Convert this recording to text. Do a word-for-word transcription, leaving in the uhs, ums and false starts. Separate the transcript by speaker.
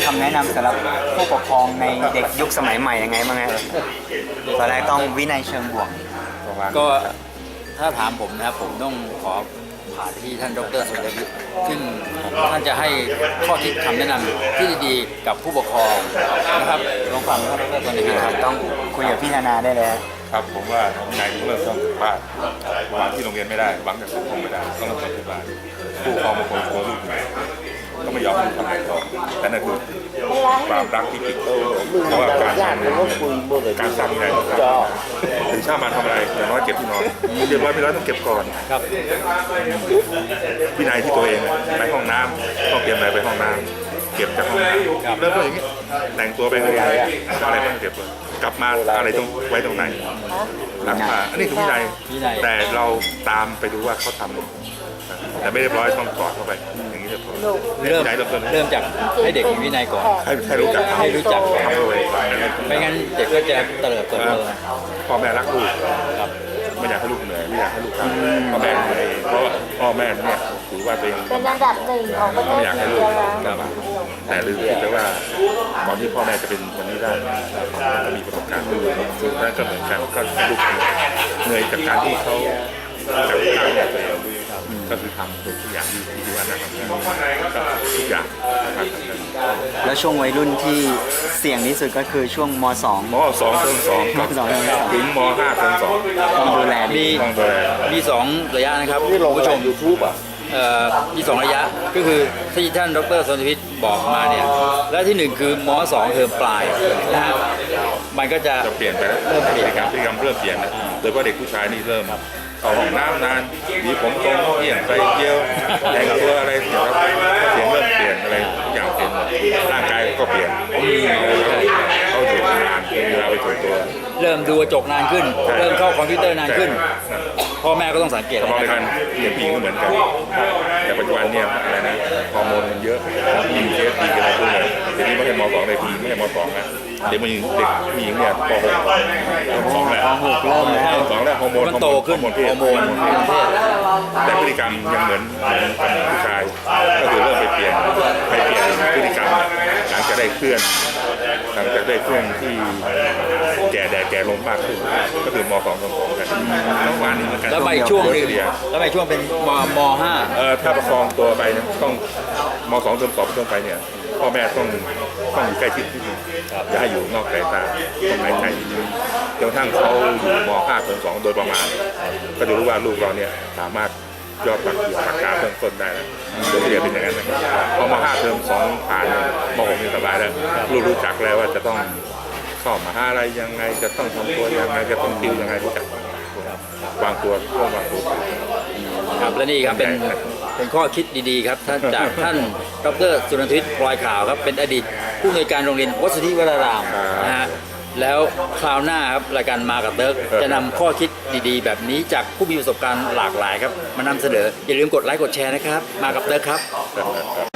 Speaker 1: ำแนะนำสำหรับผู้ปกครองในเด็กยุคสมัยใหม่ยังไงบ้างฮะตอนแรกต้องวินัยเชิงบวกประมาณ
Speaker 2: ก็ถ้าถามผมนะครับผมต้องขอผ่านที่ท่านดรสุรวิทย์ซึ่งท่านจะให้ข้อคิดคำแนะนำที่ดีๆกับผู้ปกครองนะครับลองฟังท่านดรสุรวิทย์ครับ
Speaker 1: ต้องคุยกับพี่นานาได้เลยฮะ
Speaker 3: ครับผมว่าวินัยต้องเริ่มต้นจากบ้านหวังที่โรงเรียนไม่ได้หวังจากสังคมไม่ได้ต้องเริ่มต้นที่บ้านผู้ปกครองบางคนกลัวลูกหนีก็ไม่ยอมให้ลูกทำอะไรต่อแต่นั่นคือความรักที่ผิดเพราะว่าการทำการสร้างวินัยต้องสร้างถึงชาติมาทำอะไรอย่างน้อยเก็บที่นอนเรียบร้อยไม่ร้อยต้องเก็บก่อน
Speaker 2: ครับ
Speaker 3: วินัยที่ตัวเองไปห้องน้ำต้องเตรียมอะไรไปห้องน้ำเก็บจากห้องน้ำเริ่มต้นอย่างนี้แต่งตัวไปอะไรอะไรต้องเก็บเลยกลับมาอะไรต้องไว้ตรงไหนหลังมาอันนี้คือวินัยแต่เราตามไปดูว่าเขาทำแต่ไม่เรียบร้อยต้องกอดเข้าไปอย่างนี้จะพอ
Speaker 2: เริ่ม
Speaker 3: วินัยเริ่มต้น
Speaker 2: เริ่มจากให้เด็กมีวินัยก่อน
Speaker 3: ให้ให้รู้จัก
Speaker 2: ให้รู้จัก
Speaker 3: ทำด้วย
Speaker 2: ไม่งั้นเด็กก็จะเตลิดเปิดเผย
Speaker 3: พ่อแม่รักลูก
Speaker 2: ครับ
Speaker 3: ไม่อยากให้ลูกเหนื่อยไม่อยากให้ลูกทำพ่อแม่เหนื่อยเพราะว่าพ่อแม่เนี่ยถือว่าตัวเอง
Speaker 4: เป็นอันดับหนึ่งของประเท
Speaker 3: ไม่
Speaker 4: ศ
Speaker 3: อยาก
Speaker 4: อิ
Speaker 3: ให้
Speaker 4: น
Speaker 3: ลู
Speaker 4: เดี
Speaker 3: ก
Speaker 4: ยแล้ว
Speaker 3: ลำบากแต่ลืมคิดไปว่าก่อนที่พ่อแม่จะเป็นวันนี้ได้ก็มีประสบการณ์นั่นก็เหมือนกันก็ลูกเหนื่อยจากการที่เขาจากการเนี่ยตัวเองก็คือทำทุกอย่างที่ที่ว่าน่าทำได้ก็ทุกอย่างนะครับ
Speaker 1: แล้วช่วงวัยรุ่นที่เสี่ยงที่สุดก็คือช่วงม สอง
Speaker 3: มสองเทอมสอง
Speaker 1: มสองเทอมสอง
Speaker 3: ถึงมห้าเทอมสอง
Speaker 1: ต้องดูแลดี
Speaker 2: มี
Speaker 3: ต้องดูแล
Speaker 2: มีสองระยะนะครับคุณผู้ชม
Speaker 3: ยูทูบอ่ะ
Speaker 2: เอ่อมีสองระยะก็คือที่ท่านดรสุรวิทย์บอกมาเนี่ยและที่หนึ่งคือมสองเทอมปลายนะฮะมันก็จะ
Speaker 3: จะเปลี่ยนไปแล้ว
Speaker 2: เริ่มเปลี่ยน
Speaker 3: พฤติกรรมพฤติกรรมเริ่มเปลี่ยนนะโดยเฉพาะเด็กผู้ชายนี่เริ่มเข้าห้องน้ำนานมีผมตรงเกี่ยงไปเกี่ยวแต่งตัวอะไรเสียงเสียงเริ่มเปลี่ยนอะไรทุกอย่างเปลี่ยนหมดร่างกายก็เปลี่ยนเขาอยู่นานเวลาไปถึงตัว
Speaker 2: เริ่มดูกระจกนานขึ้น เริ่มเข้าคอมพิวเตอร์นานขึ้น พ่อแม่ก็ต้องสังเกต
Speaker 3: แต่มองใน
Speaker 2: นะค
Speaker 3: กา
Speaker 2: รับ
Speaker 3: รเปลี่ยนผู้หญิงก็เหมือนกัน แต่ปัจจุบันเนี่ยอะไรนะฮอร์โมนมันเยอะมีเอสดีกันอะไรพวกนี้เดี๋ยวนี้ไม่ใช่มสองเลยทีไม่ใช่มสองนะเด็กผู้หญิงเด็กผู้หญิงเนี่ยปหกมสองแล้ว
Speaker 1: ปหกเริ่มแล้ว
Speaker 3: มสองแล้วฮอร์โมน
Speaker 2: มันโตขึ้น
Speaker 3: ฮอร์โมนเพศ
Speaker 2: ฮอร์โมนเพศ
Speaker 3: แต่พฤติกรรมยังเหมือนเหมือนผู้ชายก็คือเริ่มไปเปลี่ยนไปเปลี่ยนพฤติกรรมหลังจากได้เคลื่อนหลังจากได้เครื่องที่แก่แดดแก่ลงมากขึ้นก็คือมสองมสองกันน้องหวานนี่เหมือนกัน
Speaker 2: แล้วไปช่วงหนึ่ง
Speaker 3: เดียว
Speaker 2: แล้วไปช่วงเป็นมมห้า
Speaker 3: เอ่อถ้าประคองตัวไปเนี่ยต้องมสองเทอมสองต้นไปเนี่ยพ่อแม่ต้องต้องอยู่ใกล้ชิดนิดนึงอย่าให้อยู่นอกสายตาต้องหายใจนิดนึงจนกระทั่งเขาอยู่มห้าเทอมสองโดยประมาณก็จะรู้ว่าลูกเราเนี่ยสามารถยอดปักเกี่ยวปากกาเบื้องต้นได้แล้วโดยเฉลี่ยเป็นอย่างนั้นนะครับพอมห้าเทอมสองผ่านเนี่ยมหกนี่สบายแล้วลูกรู้จักแล้วว่าจะต้องเข้ามหาลัยยังไงจะต้องทำตัวยังไงจะต้องติวยังไงรู้จักวางตัวร่วมวางตัว
Speaker 2: ครับและนี่ครับเป็นเป็นข้อคิดดีๆครับท่านจากท่านดรสุรวิทย์พลอยขาวครับเป็นอดีตผู้อำนวยการโรงเรียนวัดสุทธิวรารามนะฮะแล้วคราวหน้าครับรายการมากับเติร์กจะนำข้อคิดดีๆ แบบนี้จากผู้มีประสบการณ์หลากหลายครับมานำเสนออย่าลืมกดไลค์กดแชร์นะครับมากับเติร์กครับ
Speaker 3: ครับ